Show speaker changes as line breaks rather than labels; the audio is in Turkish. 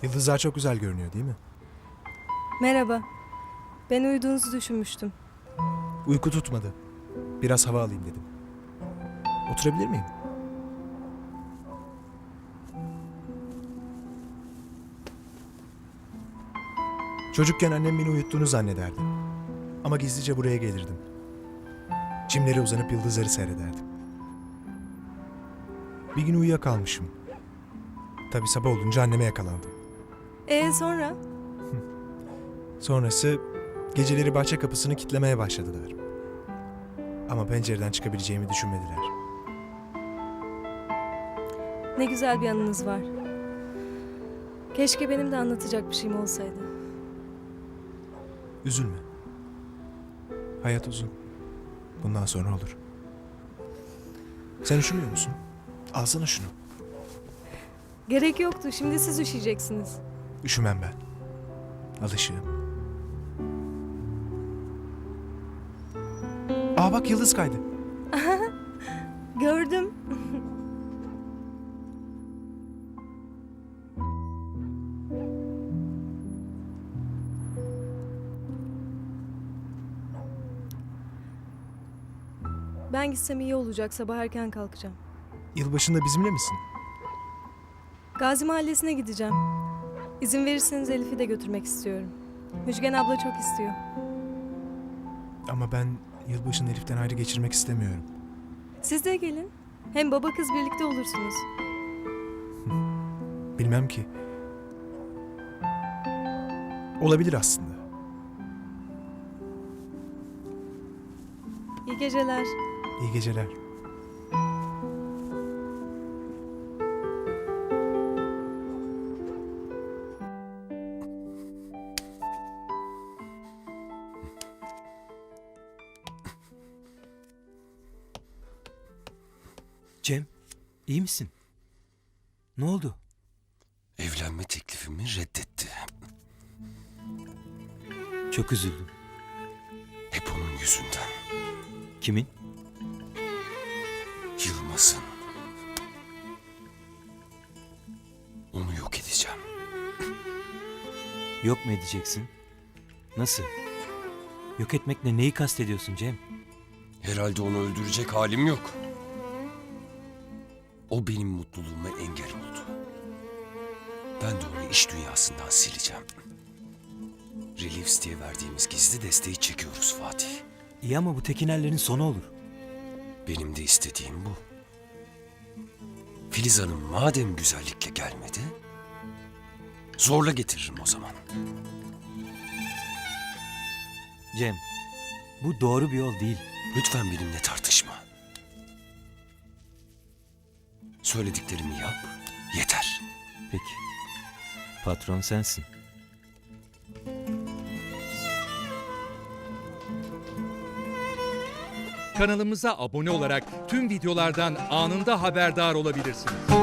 Yıldızlar çok güzel görünüyor değil mi?
Merhaba. Ben uyuduğunuzu düşünmüştüm.
Uyku tutmadı. Biraz hava alayım dedim. Oturabilir miyim? Çocukken annem beni uyuttuğunu zannederdi. Ama gizlice buraya gelirdim. Çimlere uzanıp yıldızları seyrederdim. Bir gün uyuyakalmışım. Tabii sabah olunca anneme yakalandım.
Sonra?
Sonrası geceleri bahçe kapısını kitlemeye başladılar. Ama pencereden çıkabileceğimi düşünmediler.
Ne güzel bir anınız var. Keşke benim de anlatacak bir şeyim olsaydı.
Üzülme. Hayat uzun. Bundan sonra olur. Sen üşümüyor musun? Alsana şunu.
Gerek yoktu. Şimdi siz üşüyeceksiniz.
Üşümem ben. Alışığım. Aa bak yıldız kaydı.
Gördüm. Ben gitsem iyi olacak. Sabah erken kalkacağım.
Yılbaşında bizimle misin?
Gazi Mahallesi'ne gideceğim. İzin verirseniz Elif'i de götürmek istiyorum. Müjgan abla çok istiyor.
Ama ben yılbaşını Elif'ten ayrı geçirmek istemiyorum.
Siz de gelin. Hem baba kız birlikte olursunuz.
Bilmem ki. Olabilir aslında.
İyi geceler.
İyi geceler.
Cem, iyi misin? Ne oldu?
Evlenme teklifimi reddetti.
Çok üzüldüm.
Hep onun yüzünden.
Kimin?
Yılmaz'ın. Onu yok edeceğim.
Yok mu edeceksin? Nasıl? Yok etmekle neyi kastediyorsun Cem?
Herhalde onu öldürecek halim yok. O benim mutluluğuma engel oldu. Ben de onu iş dünyasından sileceğim. Reliefs diye verdiğimiz gizli desteği çekiyoruz Fatih.
İyi ama bu Tekinerlerin sonu olur.
Benim de istediğim bu. Filiz Hanım madem güzellikle gelmedi, zorla getiririm o zaman.
Cem, bu doğru bir yol değil.
Lütfen benimle tartışma. Söylediklerimi yap, yeter.
Peki. Patron sensin.
Kanalımıza abone olarak tüm videolardan anında haberdar olabilirsiniz.